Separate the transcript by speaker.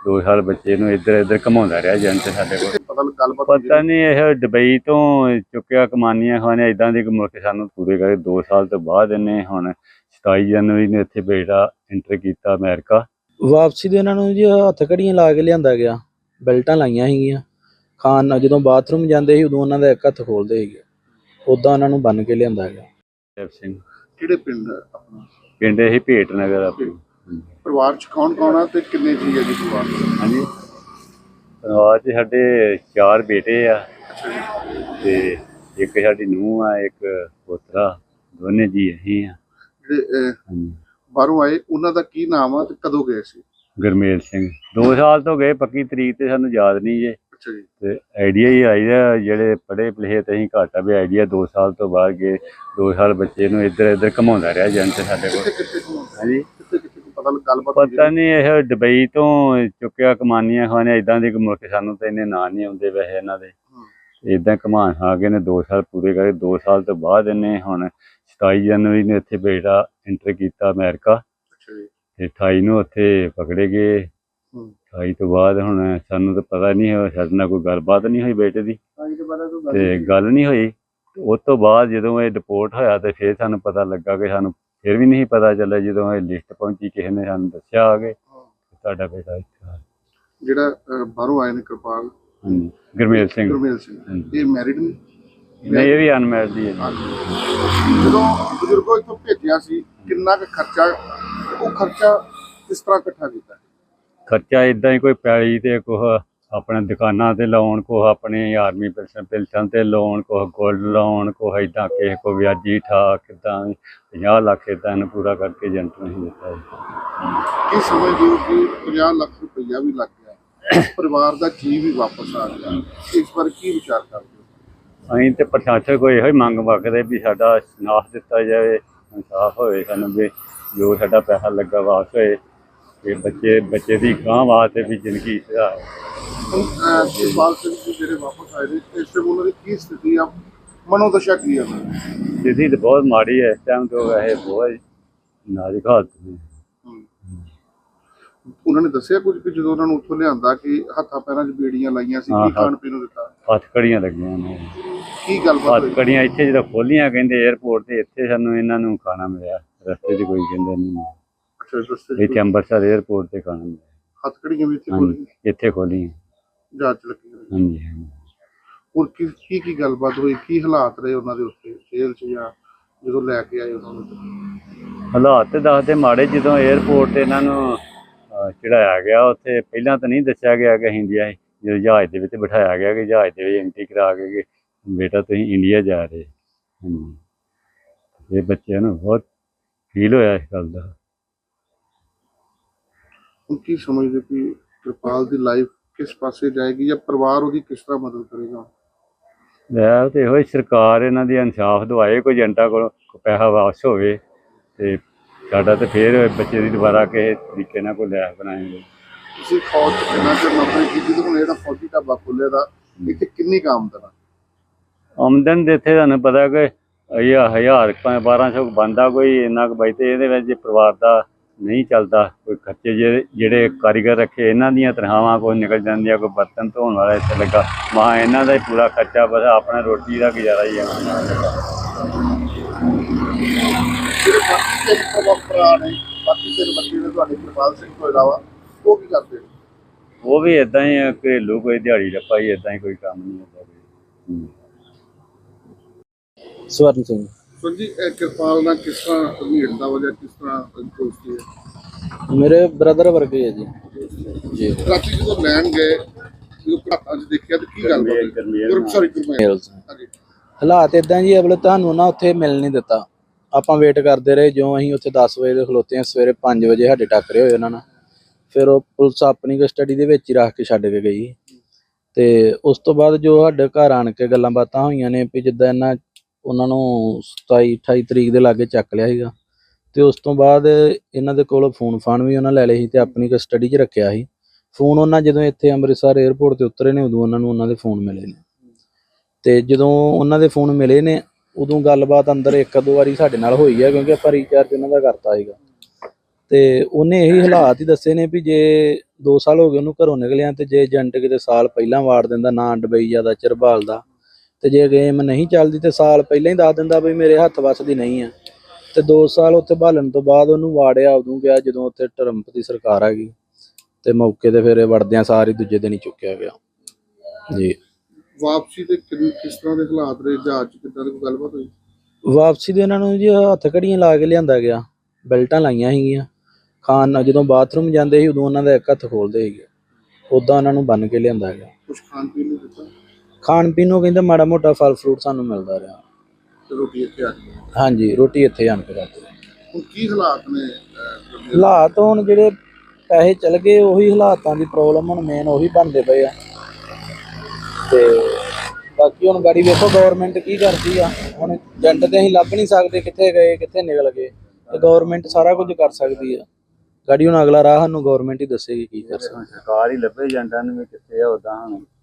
Speaker 1: 2 ਸਾਲ ਬੱਚੇ ਨੂੰ ਇੱਧਰ ਇੱਧਰ ਘੁਮਾਉਂਦਾ ਰਿਹਾ ਏਜੰਟ ਸਾਡੇ ਕੋਲ। ਪਤਾ ਨਹੀਂ ਇਹ ਦੁਬਈ ਤੋਂ ਚੁੱਕਿਆ ਕਮਾਨੀਆਂ ਖਾਣੇ ਇਦਾਂ ਦੀ ਮੁਲਕ ਸਾਨੂੰ ਪੂਰੇ ਕਰੇ 2 ਸਾਲ ਤੋਂ ਬਾਅਦ ਇਹਨੇ ਹੁਣ 27 ਜਨਵਰੀ ਨੂੰ ਇੱਥੇ ਬੇਟਾ ਐਂਟਰ ਕੀਤਾ ਅਮਰੀਕਾ।
Speaker 2: ਵਾਪਸੀ ਦੇ ਇਹਨਾਂ ਨੂੰ ਜੀ ਹੱਥ ਘੜੀਆਂ ਲਾ ਕੇ ਲਿਆਂਦਾ ਗਿਆ, ਬੈਲਟਾਂ ਲਾਈਆਂ ਸੀਗੀਆਂ। ਖਾਣ ਜਦੋਂ ਬਾਥਰੂਮ ਜਾਂਦੇ ਸੀ ਉਦੋਂ ਉਹਨਾਂ ਦਾ ਇੱਕ ਹੱਥ ਖੋਲਦੇ ਸੀਗੇ, ਉੱਦਾਂ ਉਹਨਾਂ ਨੂੰ ਬੰਨ ਕੇ ਲਿਆਂਦਾ ਗਿਆ।
Speaker 1: ਦੇਵ ਸਿੰਘ
Speaker 3: ਕਿਹੜੇ ਪਿੰਡ ਆਪਣਾ?
Speaker 1: ਪਿੰਡ ਇਹ ਭੇਟ ਨਗਰ ਆਪਣੀ।
Speaker 3: ਪਰਿਵਾਰ ਚ ਕੌਣ ਕੌਣ ਆ ਤੇ ਕਿੰਨੇ ਜੀ ਆ ਜੀ ਪਰਿਵਾਰ?
Speaker 1: ਹਾਂਜੀ, ਪਰਿਵਾਰ 'ਚ ਸਾਡੇ 4 ਬੇਟੇ ਆ ਤੇ ਇੱਕ ਸਾਡੀ ਨੂੰਹ ਆ, ਇੱਕ ਪੋਤਰਾ, ਦੋਨੇ ਜੀ ਅਸੀਂ ਆ।
Speaker 3: ਜਿਹੜੇ ਬਾਹਰੋਂ ਆਏ ਉਹਨਾਂ ਦਾ ਕੀ ਨਾਮ ਆ ਤੇ ਕਦੋਂ ਗਏ ਸੀ?
Speaker 1: ਗੁਰਮੇਲ ਸਿੰਘ। 2 ਸਾਲ ਤੋਂ ਗਏ, ਪੱਕੀ ਤਰੀਕ ਤੇ ਸਾਨੂੰ ਯਾਦ ਨਹੀਂ ਜੇ।
Speaker 3: ਅੱਛਾ ਜੀ।
Speaker 1: ਤੇ ਆਈਡੀਆ ਹੀ ਆਈਦਾ ਜਿਹੜੇ ਪੜ੍ਹੇ ਲਿਖੇ ਤੇ ਅਸੀਂ ਘੱਟ ਆ ਵੀ ਆਈਡੀਆ 2 ਸਾਲ ਤੋਂ ਬਾਅਦ ਗਏ। 2 ਸਾਲ ਬੱਚੇ ਨੂੰ ਇੱਧਰ ਇੱਧਰ ਘੁਮਾਉਂਦਾ ਰਿਹਾ ਏਜੰਟ ਸਾਡੇ ਕੋਲ। ਹਾਂਜੀ, ਪਤਾ ਨਹੀਂ ਇਹ ਦੁਬਈ ਤੋਂ ਚੁੱਕਿਆ ਕਮਾਨੀਆਂ ਖਾਣੇ ਇਦਾਂ ਦੀ ਮੁਲਕ ਸਾਨੂੰ ਤਾਂ ਇੰਨੇ ਨਾਂ ਨਹੀਂ ਆਉਂਦੇ ਵੈਸੇ ਇਹਨਾਂ ਦੇ। ਇੱਦਾਂ ਘੁਮਾ ਖਾ ਕੇ ਨੇ 2 ਸਾਲ ਪੂਰੇ ਕਰੇ। 2 ਸਾਲ ਤੋਂ ਬਾਅਦ ਇਹਨੇ ਹੁਣ 27 ਜਨਵਰੀ ਨੂੰ ਇੱਥੇ ਬੇਟਾ ਐਂਟਰ ਕੀਤਾ ਅਮਰੀਕਾ ਤੇ 28 ਨੂੰ ਉੱਥੇ ਪਕੜੇ ਗਏ। 28 ਤੋਂ ਬਾਅਦ ਹੁਣ ਸਾਨੂੰ ਤਾਂ ਪਤਾ ਨਹੀਂ ਹੋਇਆ, ਸਾਡੇ ਨਾਲ ਕੋਈ ਗੱਲਬਾਤ ਨਹੀਂ ਹੋਈ ਬੇਟੇ ਦੀ ਤੇ ਗੱਲ ਨਹੀਂ ਹੋਈ। ਉਸ ਤੋਂ ਬਾਅਦ ਜਦੋਂ ਇਹ ਡਿਪੋਰਟ ਹੋਇਆ ਤੇ ਫਿਰ ਸਾਨੂੰ ਪਤਾ ਲੱਗਾ ਕਿ ਸਾਨੂੰ ਫਿਰ ਵੀ ਨਹੀਂ ਪਤਾ ਚੱਲਿਆ। ਜਦੋਂ ਇਹ ਲਿਸਟ ਪਹੁੰਚੀ ਕਿਸੇ ਨੇ ਸਾਨੂੰ ਦੱਸਿਆ ਆ ਕੇ ਤੁਹਾਡਾ ਬੇਟਾ ਇੱਥੇ ਆ।
Speaker 3: ਜਿਹੜਾ ਬਾਹਰੋਂ ਆਏ ਨੇ ਕਿਰਪਾਲ
Speaker 1: ਗੁਰਮੇਲ ਸਿੰਘ,
Speaker 3: ਇਹ ਮੈਰਿਡ ਨੇ?
Speaker 1: ਨਹੀਂ, ਇਹ ਵੀ ਅਨਮੈਰਿਡ ਹੀ ਹੈ।
Speaker 3: ਜਦੋਂ ਬਜ਼ੁਰਗੋ ਇੱਥੋਂ ਭੇਜਿਆ ਸੀ ਕਿੰਨਾ ਕੁ ਖਰਚਾ, ਉਹ ਖਰਚਾ ਕਿਸ ਤਰ੍ਹਾਂ ਇਕੱਠਾ ਕੀਤਾ?
Speaker 1: ਖਰਚਾ ਇਦਾਂ ਹੀ ਕੋਈ ਪੈਲੀ ਤੇ ਕੁਛ ਆਪਣੇ ਦੁਕਾਨਾਂ ਤੇ ਲਾਉਣ, ਕੁਛ ਆਪਣੀ ਆਰਮੀ ਪੈਨਸ਼ਨ ਤੇ ਲਾਉਣ, ਕੁਛ ਗੋਲਡ ਲਾਉਣ, ਕੁਛ ਇੱਦਾਂ ਕਿਸੇ ਕੋ ਵਿਆਜੀ ਠਾਕ ਕਿੱਦਾਂ 50 ਲੱਖ ਇੱਦਾਂ ਇਹਨੂੰ ਪੂਰਾ ਕਰਕੇ ਏਜੰਟ ਨੂੰ ਹੀ ਦਿੱਤਾ।
Speaker 3: ਕੀ ਸਮਝਦੇ ਹੋ ਕਿ 50 ਲੱਖ ਰੁਪਈਆ ਵੀ ਲੱਗ ਗਿਆ, ਪਰਿਵਾਰ ਦਾ ਜੀ ਵੀ ਵਾਪਸ ਆ ਗਿਆ, ਇਸ ਪਰ ਕੀ ਵਿਚਾਰ ਕਰਦੇ ਹੋ?
Speaker 1: ਅਸੀਂ ਤੇ ਪ੍ਰਸ਼ਾਸਨ ਕੋਈ ਇਹੋ ਹੀ ਮੰਗ ਮੰਗਦੇ ਵੀ ਸਾਡਾ ਇਨਸਾਫ ਦਿੱਤਾ ਜਾਵੇ, ਇਨਸਾਫ ਹੋਵੇ ਸਾਨੂੰ ਵੀ ਜੋ ਸਾਡਾ ਪੈਸਾ ਲੱਗਾ ਵਾਪਸ ਹੋਏ ਤੇ ਬੱਚੇ ਦੀ ਗਾਂ ਵਾਸਤੇ ਵੀ ਜ਼ਿੰਦਗੀ ਸੁਧਾਰੇ।
Speaker 3: ਕਿਰਪਾਲ ਸਿੰਘ ਜੀ ਜਿਹੜੇ ਵਾਪਸ ਆਏ ਨੇ ਇਸ ਟਾਈਮ ਉਹਨਾਂ ਦੀ ਕੀ ਸਥਿਤੀ ਆ, ਮਨੋਦਸ਼ਾ ਕੀ ਆ?
Speaker 1: ਸਥਿਤੀ ਤਾਂ ਬਹੁਤ ਮਾੜੀ ਹੈ ਇਸ ਟਾਈਮ ਤੋਂ, ਵੈਸੇ ਬਹੁਤ ਨਾਜ਼ੁਕ ਹਾਲਤ ਨੇ।
Speaker 3: ਉਹਨਾਂ ਨੇ ਦੱਸਿਆ ਕੁਝ ਕਿ ਜਦੋਂ ਉਹਨਾਂ ਨੂੰ ਉੱਥੋਂ ਲਿਆਂਦਾ ਕਿ ਹੱਥਾਂ ਪੈਰਾਂ 'ਚ ਬੇੜੀਆਂ ਲਾਈਆਂ ਸੀ, ਕੀ ਖਾਣ ਪੀਣ ਨੂੰ ਦਿੱਤਾ?
Speaker 1: ਹੱਥ ਕੜੀਆਂ ਲੱਗੀਆਂ ਨੇ।
Speaker 3: ਕੀ ਗੱਲਬਾਤ?
Speaker 1: ਹੱਥ ਕੜੀਆਂ ਇੱਥੇ ਜਦੋਂ ਖੋਲੀਆਂ ਕਹਿੰਦੇ ਏਅਰਪੋਰਟ ਤੇ, ਇੱਥੇ ਸਾਨੂੰ ਇਹਨਾਂ ਨੂੰ ਖਾਣਾ ਮਿਲਿਆ, ਰਸਤੇ 'ਚ ਕੋਈ ਕਹਿੰਦੇ ਨਹੀਂ। ਇੱਥੇ ਅੰਮ੍ਰਿਤਸਰ ਏਅਰਪੋਰਟ ਤੇ ਖਾਣਾ ਮਿਲਿਆ।
Speaker 3: ਹੱਥ ਕੜੀਆਂ ਵੀ ਇੱਥੇ ਖੋਲੀਆਂ?
Speaker 1: ਇੱਥੇ ਖੋਲੀਆਂ,
Speaker 3: ਜਾਂਚ ਲੱਗੀ।
Speaker 1: ਹਾਂਜੀ ਹਾਂਜੀ।
Speaker 3: ਹੋਰ ਕੀ ਗੱਲਬਾਤ ਹੋਈ, ਕੀ ਹਾਲਾਤ ਰਹੇ ਉਹਨਾਂ ਦੇ ਉੱਥੇ ਜੇਲ੍ਹ 'ਚ ਜਾਂ ਜਦੋਂ ਲੈ ਕੇ ਆਏ ਉਹਨਾਂ ਨੂੰ?
Speaker 1: ਹਾਲਾਤ ਤੇ ਦੱਸਦੇ ਮਾੜੇ। ਜਦੋਂ ਏਅਰਪੋਰਟ ਤੇ ਇਹਨਾਂ ਨੂੰ ਚੜਾਇਆ ਗਿਆ, ਉੱਥੇ ਪਹਿਲਾਂ ਤਾਂ ਨਹੀਂ ਦੱਸਿਆ ਗਿਆ ਕਿ ਅਸੀਂ ਇੰਡੀਆ, ਜਦੋਂ ਜਹਾਜ਼ ਦੇ ਵਿੱਚ ਬਿਠਾਇਆ ਗਿਆ ਕਿ ਜਹਾਜ਼ ਦੇ ਵਿੱਚ ਐਂਟਰੀ ਕਰਾ ਕੇ ਬੇਟਾ ਤੁਸੀਂ ਇੰਡੀਆ ਜਾ ਰਹੇ। ਹਾਂਜੀ, ਇਹ ਬੱਚਿਆਂ ਨੂੰ ਬਹੁਤ ਫੀਲ ਹੋਇਆ ਇਸ ਗੱਲ ਦਾ।
Speaker 3: ਹੁਣ ਕੀ ਸਮਝਦੇ ਕਿ ਕਿਰਪਾਲ ਦੀ ਲਾਈਫ ਕਿਸ ਪਾਸੇ ਜਾਏਗੀ ਜਾਂ ਪਰਿਵਾਰ ਉਹਦੀ ਕਿਸ ਤਰ੍ਹਾਂ ਮਦਦ ਕਰੇਗਾ?
Speaker 1: ਲੈ ਤੇ ਇਹੋ ਸਰਕਾਰ ਇਹਨਾਂ ਦੀ ਇਨਸਾਫ ਦਵਾਏ, ਕੋਈ ਏਜੰਟਾਂ ਕੋਲ ਪੈਸਾ ਵਾਪਸ ਹੋਵੇ ਤੇ ਸਾਡਾ ਤੇ ਫਿਰ ਬੱਚੇ ਦੀ ਦੁਬਾਰਾ ਕਿਸੇ ਤਰੀਕੇ ਨਾਲ ਕੋਈ ਲੈਫ ਬਣਾਏਗੇ।
Speaker 3: ਤੁਸੀਂ ਫੌਜ 'ਚ ਕਿੰਨਾ ਚਿਰ ਨੌਕਰੀ ਕੀਤੀ ਤੇ ਹੁਣ ਜਿਹੜਾ ਫੌਜੀ ਢਾਬਾ ਖੋਲ੍ਹਿਆ ਦਾ, ਇੱਥੇ ਕਿੰਨੀ ਕੁ ਆਮਦਨ ਆ?
Speaker 1: ਆਮਦਨ ਦੇ ਇੱਥੇ ਤੁਹਾਨੂੰ ਪਤਾ ਕਿ 1000 1200 ਬਣਦਾ ਕੋਈ ਇੰਨਾ ਕੁ ਬਚਦੇ। ਇਹਦੇ ਵਿੱਚ ਜੇ ਪਰਿਵਾਰ ਦਾ ਨਹੀਂ ਚੱਲਦਾ, ਕੋਈ ਖਰਚੇ ਜਿਹੜੇ ਕਾਰੀਗਰ ਰੱਖੇ ਇਹਨਾਂ ਦੀਆਂ ਤਨਖਾਹਾਂ ਕੋਈ ਨਿਕਲ ਜਾਂਦੀਆਂ, ਕੋਈ ਬਰਤਨ ਧੋਣ ਵਾਲਾ ਇੱਥੇ ਲੱਗਾ, ਮਾਂ ਇਹਨਾਂ ਦਾ ਹੀ ਪੂਰਾ ਖਰਚਾ, ਬਸ ਆਪਣਾ ਰੋਟੀ ਦਾ ਗੁਜ਼ਾਰਾ ਹੀ ਆ।
Speaker 3: ਜਿਹੜੇ ਬਾਕੀ ਭਰਾ ਨੇ, ਬਾਕੀ 3 ਬੱਚੇ ਨੇ ਤੁਹਾਡੇ ਕਿਰਪਾਲ ਸਿੰਘ ਤੋਂ ਇਲਾਵਾ, ਉਹ ਕੀ ਕਰਦੇ ਨੇ?
Speaker 1: ਉਹ ਵੀ ਇੱਦਾਂ ਹੀ ਘਰੇਲੂ ਕੋਈ ਦਿਹਾੜੀ ਰੱਪਾ ਹੀ, ਇੱਦਾਂ ਹੀ ਕੋਈ ਕੰਮ ਨਹੀਂ ਹੁੰਦਾ।
Speaker 2: ਸਵਰਨ ਸਿੰਘ।
Speaker 3: ਸੋ ਜੀ ਕਿਰਪਾਲ ਨਾਲ ਕਿਸ ਤਰ੍ਹਾਂ ਭੀੜ ਦਾ ਵਜ੍ਹਾ, ਕਿਸ ਤਰ੍ਹਾਂ ਦੋਸਤੀ ਹੈ?
Speaker 2: ਮੇਰੇ ਬ੍ਰਦਰ ਵਰਗੇ ਹੈ ਜੀ।
Speaker 3: ਰਾਤੀ ਜਦੋਂ ਲੈਣ ਗਏ, ਜਦੋਂ ਘਾਟਾਂ 'ਚ ਦੇਖਿਆ ਤਾਂ ਕੀ ਗੱਲ ਹੋਈ?
Speaker 2: ਹਾਲਾਤ ਇਦਾਂ ਜੀ, ਅਗਲੇ ਤੁਹਾਨੂੰ ਨਾ ਉੱਥੇ ਮਿਲ ਨਹੀਂ ਦਿੱਤਾ। ਆਪਾਂ ਵੇਟ ਕਰਦੇ ਰਹੇ, ਜੋ ਅਸੀਂ ਉੱਥੇ 10 ਵਜੇ ਦੇ ਖਲੋਤੇ ਹਾਂ, ਸਵੇਰੇ 5 ਵਜੇ ਸਾਡੇ ਟੱਕਰੇ ਹੋਏ ਉਹਨਾਂ ਨਾਲ। ਫਿਰ ਉਹ ਪੁਲਿਸ ਆਪਣੀ ਕਸਟਡੀ ਦੇ ਵਿੱਚ ਹੀ ਰੱਖ ਕੇ ਛੱਡ ਕੇ ਗਈ। ਤੇ ਉਸ ਤੋਂ ਬਾਅਦ ਜੋ ਸਾਡੇ ਘਰ ਆਣ ਕੇ ਗੱਲਾਂ ਬਾਤਾਂ ਹੋਈਆਂ ਨੇ ਵੀ ਜਿੱਦਾਂ ਉਹਨਾਂ ਨੂੰ 27 28 ਤਰੀਕ ਦੇ ਲਾਗੇ ਚੱਕ ਲਿਆ ਸੀਗਾ ਤੇ ਉਸ ਤੋਂ ਬਾਅਦ ਇਹਨਾਂ ਦੇ ਕੋਲ ਫੋਨ ਫਾਨ ਵੀ ਉਹਨਾਂ ਲੈ ਲਏ ਸੀ ਤੇ ਆਪਣੀ ਕਸਟਡੀ 'ਚ ਰੱਖਿਆ ਸੀ। ਫੋਨ ਉਹਨਾਂ ਜਦੋਂ ਇੱਥੇ ਅੰਮ੍ਰਿਤਸਰ ਏਅਰਪੋਰਟ ਤੇ ਉਤਰੇ ਨੇ, ਉਦੋਂ ਉਹਨਾਂ ਨੂੰ ਉਹਨਾਂ ਦੇ ਫੋਨ ਮਿਲੇ ਨੇ ਤੇ ਜਦੋਂ ਉਹਨਾਂ ਦੇ ਫੋਨ ਮਿਲੇ ਨੇ ਉਦੋਂ ਗੱਲਬਾਤ ਅੰਦਰ 1-2 ਵਾਰੀ ਸਾਡੇ ਨਾਲ ਹੋਈ ਹੈ, ਕਿਉਂਕਿ ਆਪਾਂ ਰੀਚਾਰਜ ਉਹਨਾਂ ਦਾ ਕਰਤਾ ਸੀਗਾ ਤੇ ਉਹਨੇ ਇਹੀ ਹਾਲਾਤ ਹੀ ਦੱਸੇ ਨੇ ਵੀ ਜੇ 2 ਸਾਲ ਹੋ ਗਏ ਉਹਨੂੰ ਘਰੋਂ ਨਿਕਲਿਆ ਤੇ ਜੇ ਏਜੰਟ ਕਿਤੇ ਸਾਲ ਪਹਿਲਾਂ ਵਾੜ ਦਿੰਦਾ, ਨਾ ਡਬਈ ਜ਼ਿਆਦਾ ਚਿਰ ਭਾਲਦਾ, ਤੇ ਜੇ ਗੇਮ ਨਹੀਂ ਚੱਲਦੀ ਤੇ ਸਾਲ ਪਹਿਲਾਂ ਹੀ ਦੱਸ ਦਿੰਦਾ ਵੀ ਮੇਰੇ ਹੱਥ ਵੱਸ ਦੀ ਨਹੀਂ ਆ। ਤੇ 2 ਸਾਲ ਉੱਥੇ ਭਾਲਣ ਤੋਂ ਬਾਅਦ ਉਹਨੂੰ ਵਾੜਿਆ ਉਦੋਂ ਗਿਆ ਜਦੋਂ ਉੱਥੇ ਟਰੰਪ ਦੀ ਸਰਕਾਰ ਆ ਗਈ, ਤੇ ਮੌਕੇ ਤੇ ਫਿਰ ਇਹ ਵੜਦਿਆਂ ਸਾਰ ਹੀ ਦੂਜੇ ਦਿਨ ਹੀ ਚੁੱਕਿਆ ਗਿਆ ਜੀ।
Speaker 3: ਵਾਪਸੀ ਦੇ ਕਿਸ ਤਰ੍ਹਾਂ ਦੇ ਹਾਲਾਤ ਰਹੇ, ਜਹਾਜ਼ 'ਚ ਕਿੱਦਾਂ ਦੀ ਕੋਈ ਗੱਲਬਾਤ ਹੋਈ?
Speaker 2: ਵਾਪਸੀ ਦੇ ਉਹਨਾਂ ਨੂੰ ਜੀ ਹੱਥ ਘੜੀਆਂ ਲਾ ਕੇ ਲਿਆਂਦਾ ਗਿਆ, ਬੈਲਟਾਂ ਲਾਈਆਂ ਸੀਗੀਆਂ। ਖਾਣ ਜਦੋਂ ਬਾਥਰੂਮ ਜਾਂਦੇ ਸੀ ਉਦੋਂ ਉਹਨਾਂ ਦਾ ਇੱਕ ਹੱਥ ਖੋਲਦੇ ਸੀਗੇ, ਉੱਦਾਂ ਉਹਨਾਂ ਨੂੰ ਬੰਨ੍ਹ ਕੇ ਲਿਆਂਦਾ ਗਿਆ।
Speaker 3: ਕੁਛ ਖਾਣ ਪੀਣ ਨੂੰ ਦਿੱਤਾ
Speaker 2: ਖਾਣ ਪੀਣ ਨੂੰ ਕਹਿੰਦੇ ਮਾੜਾ ਮੋਟਾ ਫਲ ਫਰੂਟ ਸਾਨੂੰ ਮਿਲਦਾ ਰਿਹਾ।
Speaker 3: ਤੇ ਰੋਟੀ ਇੱਥੇ ਆ ਗਈ?
Speaker 2: ਹਾਂਜੀ, ਰੋਟੀ ਇੱਥੇ ਆਣ ਕੇ ਖਾਧੀ।
Speaker 3: ਹੁਣ ਕੀ ਹਾਲਾਤ ਨੇ?
Speaker 2: ਹਾਲਾਤ ਹੁਣ ਜਿਹੜੇ ਪੈਸੇ ਚਲ ਗਏ ਉਹੀ ਹਾਲਾਤਾਂ ਦੀ ਪ੍ਰੋਬਲਮ ਹੁਣ ਮੇਨ ਉਹੀ ਬਣਦੇ ਪਏ ਆ। ਤੇ ਬਾਕੀ ਹੁਣ ਗਾੜੀ ਵੇਖੋ ਗਵਰਨਮੈਂਟ ਕੀ ਕਰਦੀ ਆ। ਹੁਣ ਏਜੰਟ ਤੇ ਅਸੀਂ ਲੱਭ ਨਹੀਂ ਸਕਦੇ ਕਿੱਥੇ ਗਏ ਕਿੱਥੇ ਨਿਕਲ ਗਏ, ਤੇ ਗਵਰਨਮੈਂਟ ਸਾਰਾ ਕੁਝ ਕਰ ਸਕਦੀ ਆ। ਗਾੜੀ ਹੁਣ ਅਗਲਾ ਰਾਹ ਸਾਨੂੰ ਗਵਰਨਮੈਂਟ ਹੀ ਦੱਸੇਗੀ ਕੀ ਕਰ ਸਕਦੀ।
Speaker 1: ਸਰਕਾਰ ਹੀ ਲੱਭੇ ਏਜੰਟਾਂ ਨੂੰ ਵੀ ਕਿੱਥੇ ਆ ਉਦਾਂ ਹੁਣ